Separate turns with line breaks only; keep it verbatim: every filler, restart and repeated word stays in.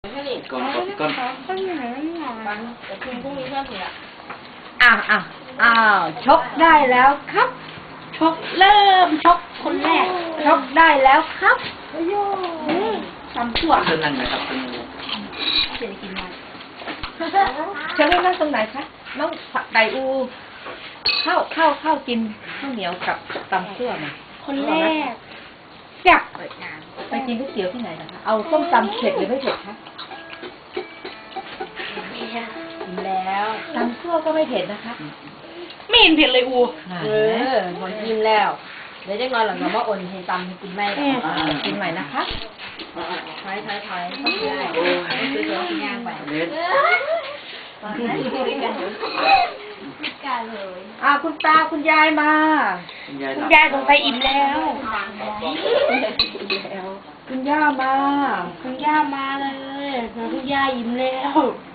ก่อนก่อนก่อน
ก็อยู่ไหนไม่หนอนแต่คืนพรุ่งนี้ก็เสีย
อ้าวอ้าวอ้าวชกได้แล้วครับชกเริ่มชกคนแรกชกได้แล้วครับโย่ทำชั่ว
เชิญนั่งนะครับเป็น
เสียกินมา
เชิญนั่งตรงไหนคะน้องผักไก่อูเข้าเข้าเข้ากินข้าวเหนียวกับตำซั่วมา
คนแรก
จับไปกินก๋วยเตี๋ยวที่ไหนนะคะเอาส้มตำเผ็ดหรือไม่เผ็ดคะกินแล้วตำซั่วก็ไม่เผ็ดนะคะ
ไม่เห็นเผ็ดเลยอู
เออหมดกินแล้วเดี๋ยวจะนอนหลังจากว่าอ่นให้ตำให้กินไม่กินใหม่นะคะถอยถอยถอยต้องกินอะไรซื้อตัวกินย่างไป
เล็ด
การเลย
อ่าคุณตาคุณยายมา
คุณยาย
คุณยายสงสัยอิ่มแล้ว คุณย่ามา
คุณย่ามาเลยคุณย่าอิ่มแล้ว
ค